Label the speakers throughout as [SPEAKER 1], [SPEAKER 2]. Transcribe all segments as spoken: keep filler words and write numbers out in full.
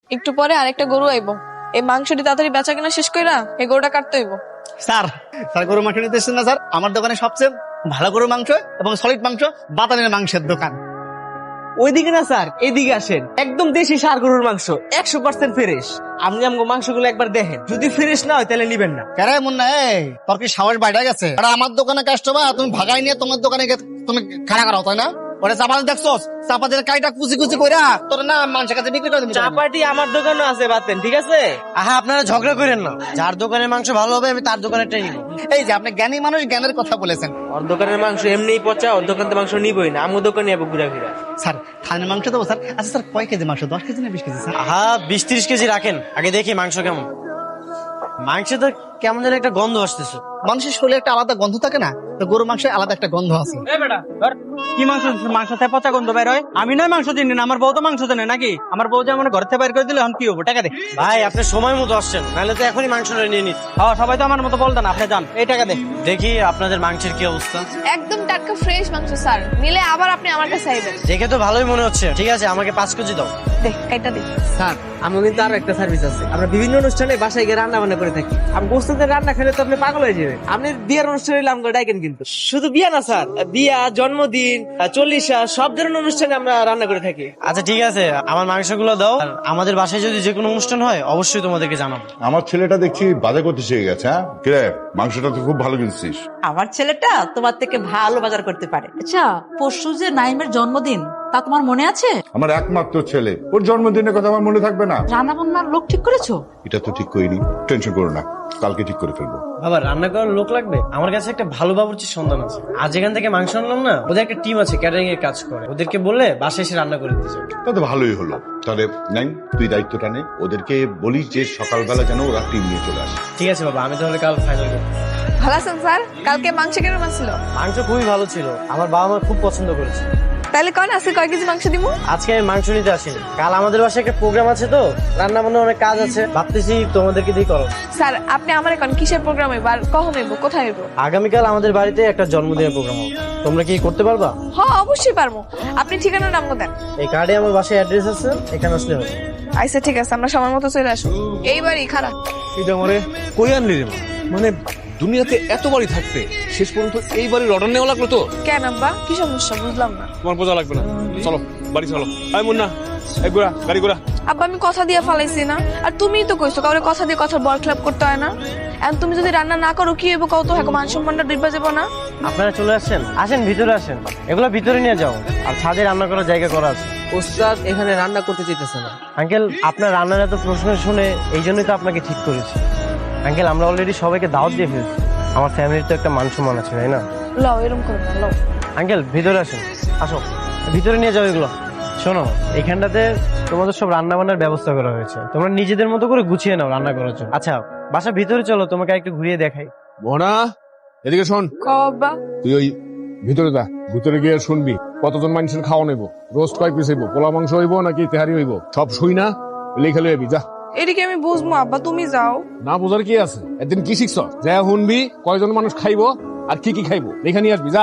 [SPEAKER 1] একটু পরে আরেকটা গরু আইবো, এই মাংসটি তাড়াতাড়ি বেচা কিনা শেষ কইরা এই গরুটা কাটতে হইব।
[SPEAKER 2] স্যার স্যার গরুর মাংস নিতে এসেছেন না স্যার? আমার দোকানে সবচেয়ে ভালো গরুর মাংস এবং সলিড মাংস বাতানের মাংসের দোকান।
[SPEAKER 3] ওইদিকে না স্যার, এইদিকে আসেন। একদম দেশি ষাঁড় গরুর মাংস, একশো পার্সেন্ট ফ্রেশ। আপনি আমগো মাংসগুলো একবার দেখেন, যদি ফ্রেশ না হয় তাহলে নিবেন না।
[SPEAKER 2] কেরে মুন্না, এই তোর কি সাহস বাইরে গেছে? আর আমার দোকানে কাস্টমার তুমি ভাগাই নিয়ে তোমার দোকানে গিয়ে তুমি খাড়া করাও, তাই না? ওটা চাপাতি দেখছোস, চাপাতির কাইটা কুচি কুচি কইরা তোর না মানুষের কাছে বিক্রি করে দিবি।
[SPEAKER 3] চাপাটি আমার দোকানে আছে বাতেন, ঠিক আছে?
[SPEAKER 4] আহা আপনারা ঝগড়া করেন না, যার দোকানের মাংস ভালো হবে আমি তার দোকানেরটাই নিব।
[SPEAKER 2] এই যে আপনি জ্ঞানী মানুষ, জ্ঞানের কথা বলেছেন।
[SPEAKER 3] ওর দোকানের মাংস এমনিই পচা, ওর দোকান মাংস নিবই না, আমার দোকানে যাবো ঘুরা ঘুরা।
[SPEAKER 2] স্যার থানের মাংস দেবো স্যার? আচ্ছা স্যার কয় কেজি মাংস? দশ কেজি না বিশ কেজি স্যার?
[SPEAKER 4] আহা বিশ ত্রিশ কেজি রাখেন, আগে দেখি মাংস কেমন। মাংসে তো কেমন যেন একটা গন্ধ আসতেছে।
[SPEAKER 2] মানুষের শরীরে একটা আলাদা গন্ধ থাকে না, তো গরুর মাংসে আলাদা একটা গন্ধ আছে।
[SPEAKER 5] কি মাংস? মাংস থেকে পচা গন্ধ বের হয়? আমি নয় মাংস চিনি না, আমার বউ তো মাংস জানে নাকি? আমার বউ যে আমার ঘর থেকে বাইর করে দিলে এখন কি হবো? টাকা দে
[SPEAKER 4] ভাই আপনি সময় মতো আসছেন, নাহলে তো এখনই মাংসটা নিয়ে নিত।
[SPEAKER 5] হ্যাঁ, সবাই তো আমার মতো বলতেন, আপনি যান, এই টাকা দে।
[SPEAKER 4] দেখি আপনাদের মাংসের কি অবস্থা।
[SPEAKER 1] একদম টাটকা ফ্রেশ মাংস স্যার, নিলে আবার আপনি আমার কাছে আইবেন।
[SPEAKER 4] দেখে তো ভালোই মনে হচ্ছে। ঠিক আছে আমাকে পাঁচ কেজি দাও।
[SPEAKER 1] দে এটা দে।
[SPEAKER 3] স্যার আমার কিন্তু আরো একটা সার্ভিস আছে। আমরা বিভিন্ন অনুষ্ঠানে বাসায় গিয়ে রান্না বান্না করে থাকি। আমি গোস্তের রান্না খেলে তো আপনি পাগল হয়ে যাবেন। আপনি বিয়ের অনুষ্ঠানে আমগো ডাকেন, কিন্তু শুধু বিয়া না স্যার, বিয়া, জন্মদিন, চল্লিশা, সব ধরনের অনুষ্ঠানে আমরা রান্না করে থাকি।
[SPEAKER 4] আচ্ছা ঠিক আছে, আমার মাংসগুলো দাও। আর আমাদের বাসায় যদি যে কোনো অনুষ্ঠান হয় অবশ্যই তোমাদেরকে জানাবো।
[SPEAKER 6] আমার ছেলেটা দেখছি বাজার করতে শিখে গেছে। হ্যাঁ কিরে, মাংসটা তো খুব ভালো কিনছিস।
[SPEAKER 7] আমার ছেলেটা তোমার থেকে ভালো বাজার করতে পারে। আচ্ছা, পরশু যে নাইমের জন্মদিন, তা তোমার মনে আছে?
[SPEAKER 6] আমার একমাত্র ছেলে, ওর জন্মদিনের কথা আমার মনে থাকবে না?
[SPEAKER 7] রান্না বান্নার লোক ঠিক করেছো?
[SPEAKER 6] এটা তো ঠিক করিনি, টেনশন করো না, কালকে ঠিক করে ফেলবো।
[SPEAKER 4] বাবা রান্না করার লোক লাগবে? আমার কাছে একটা ভালো বাবুর্চির সন্ধান আছে। আজ এখান থেকে মাংস আনলাম না, ওদের একটা টিম আছে ক্যাটারিং এর কাজ করে, ওদেরকে বললে বাসায় এসে রান্না করে দিতে চাই।
[SPEAKER 6] তা তো ভালোই হলো। তাহলে নাই তুই দায়িত্বটা নে, ওদেরকে বলিস যে সকালবেলা যেন ওরা টিম নিয়ে চলে আসে।
[SPEAKER 4] ঠিক আছে বাবা, আমি তাহলে কাল ফাইনাল করব।
[SPEAKER 1] ভালো আছেন স্যার? কালকে মাংস কেমন ছিল?
[SPEAKER 4] মাংস খুবই ভালো ছিল, আমার বাবা মা খুব পছন্দ করেছে।
[SPEAKER 1] তাহলে কন আজকে কয় কেজি মাংস দিব?
[SPEAKER 4] আজকে আমি মাংস নিতে আসিনি, কাল আমাদের বাসায় একটা প্রোগ্রাম আছে, তো রান্না বান্না অনেক কাজ আছে, ভাবতেছি তোমাদেরকে দিয়ে করো।
[SPEAKER 1] স্যার আপনি আমার এখন কিসের প্রোগ্রাম হইব আর কখন হইব, কোথায় হইব?
[SPEAKER 4] আগামীকাল আমাদের বাড়িতে একটা জন্মদিনের প্রোগ্রাম হবে, তোমরা কি করতে পারবা?
[SPEAKER 1] হ্যাঁ অবশ্যই পারবো, আপনি ঠিকানার নাম দেন।
[SPEAKER 4] এই কার্ডে আমার বাসায় অ্যাড্রেস আছে, এখানে আসলে হবে।
[SPEAKER 1] আচ্ছা ঠিক আছে, আমরা সময় মতো চলে আসবো। এইবারই খারাপ
[SPEAKER 8] এটা মানে কই আনলি রে মা? মানে দুনিয়াতে এত বাড়ি থাকতে শেষ পর্যন্ত এই বাড়ির অর্ডার নেওয়া লাগলো তো?
[SPEAKER 1] কেন আব্বা, কি সমস্যা বুঝলাম না।
[SPEAKER 8] তোমার বোঝা লাগবে না, চলো বাড়ি চলো। আয় মুন্না, এই গোড়া গাড়ি গোড়া।
[SPEAKER 1] আব্বা আমি কথা দিয়ে ফালাইছি না, আর তুমিই তো কইছো কাউরে কথা দিয়ে কথা বল ক্লাব করতে হয় না। এখন তুমি যদি রান্না না করো কি হইব কত? হ্যাঁ মান সম্মানটা ডিব্বা যাবো না।
[SPEAKER 4] আপনারা চলে আসছেন, আসেন ভিতরে আসেন, এগুলো ভিতরে নিয়ে যাও। আর ছাদে রান্না করার জায়গা করা আছে।
[SPEAKER 3] ওস্তাদ এখানে রান্না করতে চাইতেছে না।
[SPEAKER 4] আঙ্কেল আপনার রান্নার এত প্রশ্ন শুনে এই জন্যই তো আপনাকে ঠিক করেছি। আঙ্কেল আমরা অলরেডি সবাইকে দাওয়াত দিয়ে ফেলছি, আমার ফ্যামিলির তো একটা মান সম্মান আছে তাই না?
[SPEAKER 1] লও এরকম করো না, লও।
[SPEAKER 4] আঙ্কেল ভিতরে আসেন, আসো ভিতরে নিয়ে যাও এগুলো। শোনো এখানটাতে তোমাদের সব রান্না বান্নার ব্যবস্থা করা হয়েছে, তোমরা নিজেদের মতো করে গুছিয়ে নাও রান্না করার জন্য। আচ্ছা বাসা ভিতরে চলো, তোমাকে একটু ঘুরিয়ে দেখাই।
[SPEAKER 8] বোনা এদিকে শোন,
[SPEAKER 1] কও আব্বা।
[SPEAKER 8] তুই ওই ভিতরে যা, ভিতরে গিয়ে শুনবি কতজন মানুষের খাওয়া নেবো, রোস্ট কয় পিস হইব, পোলা মাংস হইব নাকি তেহারি হইব, সব শুই না লেখা লইবি যা।
[SPEAKER 1] এদিকে আমি বুঝবো আব্বা, তুমি যাও।
[SPEAKER 8] না বোঝার কি আছে, একদিন কি শিখছ, যা শুনবি কয়জন মানুষ খাইবো আর কি কি খাইবো লেখা নিয়ে আসবি যা।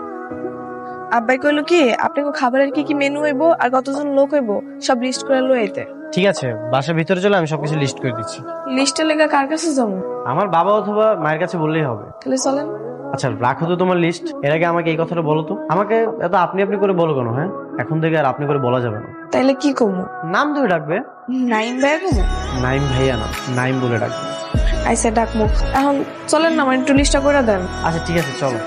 [SPEAKER 1] আব্বাই কইলো কি আপনাকে খাবারের কি কি মেনু হইব আর কতজন লোক হইব সব লিস্ট করে লই আইতে।
[SPEAKER 4] ঠিক আছে বাসা ভিতরে চলে, আমি সবকিছু লিস্ট করে দিচ্ছি।
[SPEAKER 1] লিস্টে লেখা কার কাছে যাবো?
[SPEAKER 4] আমার বাবা অথবা মায়ের কাছে বললেই হবে।
[SPEAKER 1] তাহলে চলেন।
[SPEAKER 4] আচ্ছা রাখো তো তোমার লিস্ট, এর আগে আমাকে এই কথাটা বলো তো। আমাকে এত আপনি আপনি করে বলো কেন? হ্যাঁ এখন থেকে আর আপনি করে বলা যাবে না।
[SPEAKER 1] তাইলে কি কমু?
[SPEAKER 4] নাম ধরে ডাকবে।
[SPEAKER 1] নাইম ভাইয়া কমু?
[SPEAKER 4] নাইম ভাইয়া না, নাইম বলে ডাকবে।
[SPEAKER 1] আইসা ডাকমু। এখন চলেন না, আমার একটু লিস্টটা করে দেন।
[SPEAKER 4] আচ্ছা ঠিক আছে চলো।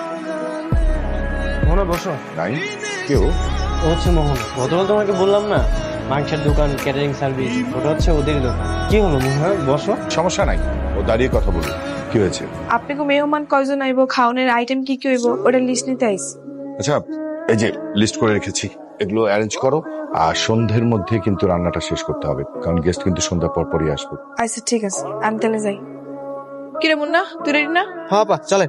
[SPEAKER 4] মোহনা বসো।
[SPEAKER 6] নাই কেউ
[SPEAKER 4] ও হচ্ছে মোহন, গতকাল তোমাকে বললাম না মাংসের দোকান, ক্যাটারিং সার্ভিস, ওটা হচ্ছে ওদের দোকান। কি হলো মোহনা বসো।
[SPEAKER 6] সমস্যা নাই, ও দাঁড়িয়ে কথা বলুন। কি হয়েছে?
[SPEAKER 1] আপনি কো মেহমান কয়জন আইব, খাওনের আইটেম কি কি হইব ওটা লিস্ট নিতে আইস।
[SPEAKER 6] আচ্ছা এই যে লিস্ট করে রেখেছি, এগুলো অ্যারেঞ্জ করো। আর সন্ধ্যের মধ্যে কিন্তু রান্নাটা শেষ করতে হবে, কারণ গেস্ট কিন্তু সন্ধ্যার পর পরই আসবে।
[SPEAKER 1] আচ্ছা ঠিক আছে, আমি তাহলে যাই। কিরে মুন্না তুই রেডি না?
[SPEAKER 3] হ্যাঁ পা চলে।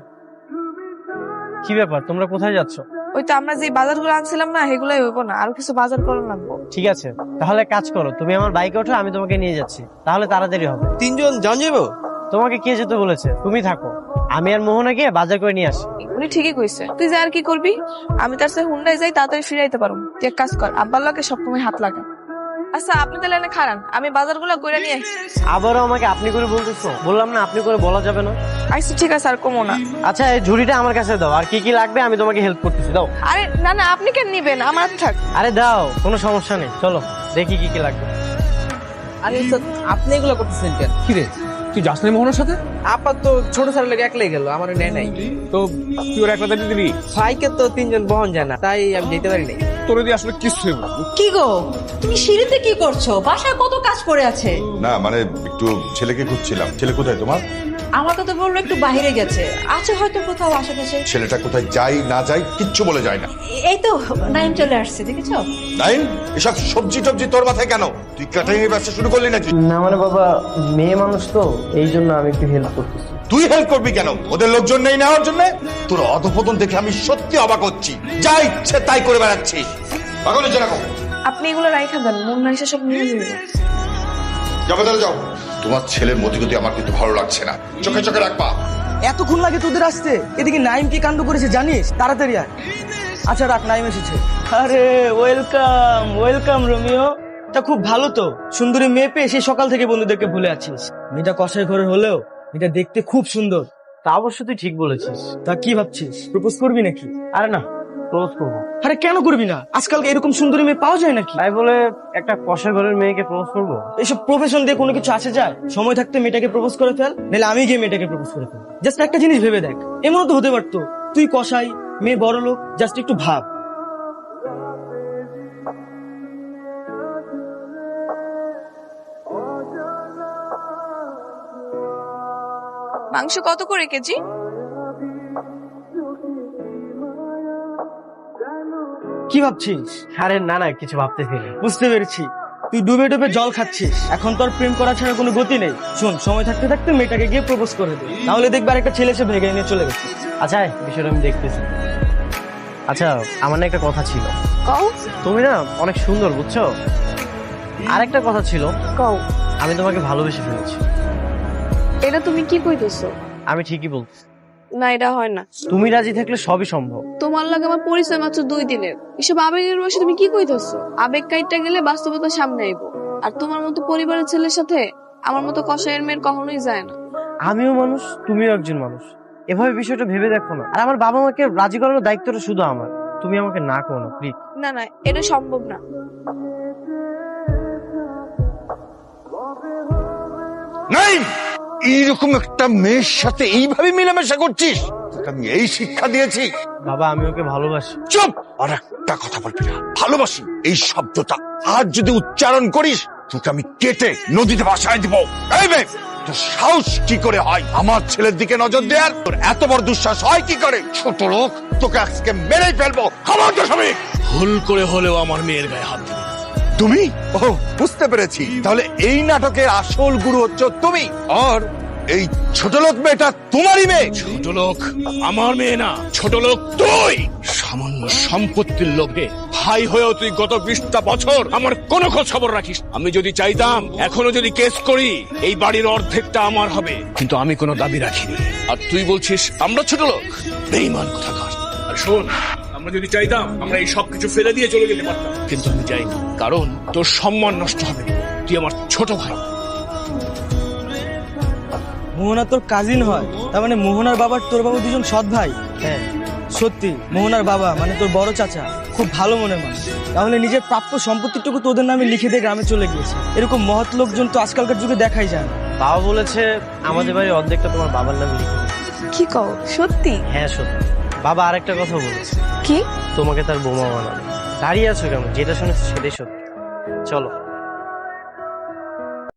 [SPEAKER 4] কি ব্যাপার তোমরা কোথায় যাচ্ছ?
[SPEAKER 1] ওই তো আমরা যে বাজারগুলো আনছিলাম না সেগুলাই হইব না, আরো কিছু বাজার করা লাগবো।
[SPEAKER 4] ঠিক আছে তাহলে কাজ করো, তুমি আমার বাইকে ওঠো, আমি তোমাকে নিয়ে যাচ্ছি, তাহলে তাড়াতাড়ি হবে।
[SPEAKER 3] তিনজন যান যাবো?
[SPEAKER 4] তোমাকে কে যেতে বলেছে? তুমি থাকো, আমি আর মোহনা গিয়ে বাজার করে নিয়ে আসি।
[SPEAKER 1] উনি ঠিকই কইছে, তুই যা আর কি করবি, আমি তার সাথে হুন্ডায় যাই, তাড়াতাড়ি ফিরাইতে পারবো। তুই এক কাজ কর, আব্বার লগে সবসময় হাত লাগা। আচ্ছা আপনি তাহলে এনে খারান, আমি বাজারগুলো কইরা নিয়ে আসি।
[SPEAKER 4] আবারও আমাকে আপনি করে বলতেছো? বললাম না আপনি করে বলা যাবে না।
[SPEAKER 1] আচ্ছা ঠিক আছে, আর কমো না।
[SPEAKER 4] আচ্ছা এই ঝুড়িটা আমার কাছে দাও, আর কি কি লাগবে আমি তোমাকে হেল্প করতেছি, দাও।
[SPEAKER 1] আরে না না, আপনি কেন নিবেন, আমার হাতে থাক।
[SPEAKER 4] আরে দাও, কোনো সমস্যা নেই, চলো দেখি কি কি লাগবে।
[SPEAKER 3] আরে স্যার, আপনি এগুলো করতেছেন কেন?
[SPEAKER 8] কি রে তুই যাস না মোহনের সাথে?
[SPEAKER 3] আপাত তো ছোট স্যার লেগে একলাই গেল, আমার নেয় নাই।
[SPEAKER 8] তো তুই ওর একলা দিয়ে দিবি?
[SPEAKER 3] ভাইকে তো তিনজন বহন যায় না, তাই আমি যেতে পারি নাই।
[SPEAKER 8] তোর দিয়ে আসলে কিছু হইব না।
[SPEAKER 7] কি গো, তুমি সিঁড়িতে কি করছো? বাসায় কত কাজ পড়ে আছে।
[SPEAKER 6] না মানে একটু ছেলেকে খুঁজছিলাম। ছেলে কোথায় তোমার?
[SPEAKER 7] আমাকে তো বললো একটু বাইরে গেছে, আছে হয়তো কোথাও আশেপাশে।
[SPEAKER 6] ছেলেটা কোথায় যাই না যাই কিচ্ছু বলে যায় না।
[SPEAKER 7] এই তো নাইম চলে আসছে, দেখেছো?
[SPEAKER 6] নাইন, এসব সবজি টবজি তোর মাথায় কেন? তুই কাটাই ব্যবসা শুরু করলি নাকি?
[SPEAKER 4] না মানে বাবা, মেয়ে মানুষ তো, এই জন্য আমি একটু হেল্প করতেছি।
[SPEAKER 6] তুই হেল্প করবি কেন? ওদের লোকজন নেই নেওয়ার জন্য? তোর অধপতন দেখে আমি সত্যি অবাক হচ্ছি। যা ইচ্ছে তাই করে বেড়াচ্ছিস। পাগল হচ্ছে না কখন?
[SPEAKER 1] আপনি এগুলো রাইখা দেন, মুন্না এসে সব নিয়ে যাবে।
[SPEAKER 6] যাবে তাহলে যাও। তোমার ছেলের মতিগতি আমার কিন্তু ভালো লাগছে না। চোখে চোখে রাখবা।
[SPEAKER 3] এতক্ষণ লাগে তোদের আসতে? এদিকে নাইম কি কাণ্ড করেছে জানিস? তাড়াতাড়ি আয়। আচ্ছা রাখ, নাইম এসেছে। আরে ওয়েলকাম ওয়েলকাম রোমিও। তা খুব ভালো তো, সুন্দরী মেয়ে পেয়ে সেই সকাল থেকে বন্ধুদেরকে ভুলে আছিস। মেয়েটা কষাই ঘরের হলেও এটা দেখতে খুব সুন্দর।
[SPEAKER 4] তা অবশ্য তুই ঠিক বলেছিস।
[SPEAKER 3] তা কি ভাবছিস, প্রপোজ করবি নাকি?
[SPEAKER 4] আরে না, প্রপোজ করবো।
[SPEAKER 3] আরে কেন করবি না? আজকাল এরকম সুন্দরী মেয়ে পাওয়া যায় নাকি?
[SPEAKER 4] তাই বলে একটা কষা ঘরের মেয়েকে প্রপোজ করবো?
[SPEAKER 3] এইসব প্রফেশন দিয়ে কোনো কিছু আসে যায়? সময় থাকতে মেয়েটাকে প্রপোজ করে ফেল, নাহলে আমি গিয়ে মেয়েটাকে প্রপোজ করে ফেল। জাস্ট একটা জিনিস ভেবে দেখ, এমনও তো হতে পারতো তুই কষাই, মেয়ে বড় লোক। জাস্ট একটু ভাব।
[SPEAKER 1] মাংস কত করে কেজি?
[SPEAKER 3] কি ভাবছিস?
[SPEAKER 4] আরে না না, কিছু ভাবতেছি না।
[SPEAKER 3] বুঝতে পেরেছি, তুই ডুবে ডুবে জল খাচ্ছিস। এখন তোর প্রেম করা ছাড়া কোনো গতি নেই। শোন, সময় থাকতে থাকতে মেয়েটাকে গিয়ে প্রপোজ করে দে, তাহলে দেখবে একটা ছেলে এসে ভেগে নিয়ে চলে গেছে।
[SPEAKER 4] আচ্ছা বিষয়টা আমি দেখতেছি। আচ্ছা আমার না একটা কথা ছিল।
[SPEAKER 1] কও।
[SPEAKER 4] তুমি না অনেক সুন্দর, বুঝছো? আরেকটা কথা ছিল।
[SPEAKER 1] কও।
[SPEAKER 4] আমি তোমাকে ভালোবেসে ফেলেছি।
[SPEAKER 1] এটা তুমি কি কইতেছো?
[SPEAKER 4] আমি ঠিকই বলতেছি।
[SPEAKER 1] না এটা হয় না।
[SPEAKER 4] তুমি রাজি থাকলে সবই সম্ভব।
[SPEAKER 1] তোমার লাগে আমার পরিচয় মাত্র দুই দিনের, এসব আবেগের বয়সে তুমি কি কইতেছো? আবেগ কাইটটা গেলে বাস্তবতা সামনে আইবো। আর তোমার মতো পরিবারের ছেলের সাথে আমার মতো কষায়ের মেয়ের কখনোই যায় না।
[SPEAKER 4] আমিও মানুষ, তুমিও একজন মানুষ। এভাবে বিষয়টা ভেবে দেখো না। আর আমার বাবা মাকে রাজি করানোর দায়িত্বটা শুধু আমার। তুমি আমাকে না করো না প্লিজ।
[SPEAKER 1] না না, এটা সম্ভব না।
[SPEAKER 6] নাই, এইরকম একটা মেয়ের সাথে এইভাবে মেলামেশা করছিস? তোকে আমি এই শিক্ষা দিয়েছি?
[SPEAKER 4] বাবা আমি ওকে ভালোবাসি।
[SPEAKER 6] চুপ! আর একটা কথা বলবি না। ভালোবাসি এই শব্দটা আর যদি উচ্চারণ করিস তোকে আমি কেটে নদীতে ভাসায় দিব। এই মেয়ে, তোর সাহস কি করে হয় আমার ছেলের দিকে নজর দেওয়ার? তোর এত বড় দুঃসাহস হয় কি করে? ছোট লোক, তোকে আজকে মেরেই ফেলবো। খবরদার স্বামী!
[SPEAKER 9] ভুল করে হলেও আমার মেয়ের গায়ে হাত দিবি না।
[SPEAKER 6] তুমি? ও বুঝতে পেরেছি, তাহলে এই নাটকের আসল গুরু হচ্ছে তুমি। আর এই ছোট লোক মেয়েটা তোমারই মেয়ে?
[SPEAKER 9] ছোট লোক আমার মেয়ে না, ছোট লোক তুই। সামান্য সম্পত্তির লোভে ভাই হয়েও তুই গত বিশটা বছর আমার কোনো খোঁজ খবর রাখিস। আমি যদি চাইতাম এখনো যদি কেস করি এই বাড়ির অর্ধেকটা আমার হবে, কিন্তু আমি কোনো দাবি রাখিনি। আর তুই বলছিস আমরা ছোট লোক? বেঈমান কোথাকার। আর শোন, আমরা যদি চাইতাম আমরা এই সব কিছু ফেলে দিয়ে চলে যেতে পারতাম, কিন্তু আমি চাইনি। কারণ তোর সম্মান নষ্ট হবে। তুই আমার ছোট ভাই।
[SPEAKER 3] মোহনা তোর কাজিন হয়, তার মানে মোহনার বাবার তোর বাবা দুজন সৎ ভাই?
[SPEAKER 4] হ্যাঁ
[SPEAKER 3] সত্যি মোহনার বাবা মানে তোর বড় চাচা খুব ভালো মনের মানুষ। তাহলে নিজের প্রাপ্য সম্পত্তিটুকু তোদের নামে লিখে দিয়ে গ্রামে চলে গিয়েছে। এরকম মহৎ লোকজন তো আজকালকার যুগে দেখাই যায় না।
[SPEAKER 4] বাবা বলেছে আমাদের বাড়ির অর্ধেকটা তোমার বাবার নামে লিখে দিতে।
[SPEAKER 1] কি কও, সত্যি?
[SPEAKER 4] হ্যাঁ সত্যি। বাবা আরেকটা কথা বলেছে,
[SPEAKER 1] কি?
[SPEAKER 4] তোমাকে তার বোমা বানাবে। দাঁড়িয়ে আছো কেন? যেটা শুনেছি সেটাই সত্যি। চলো।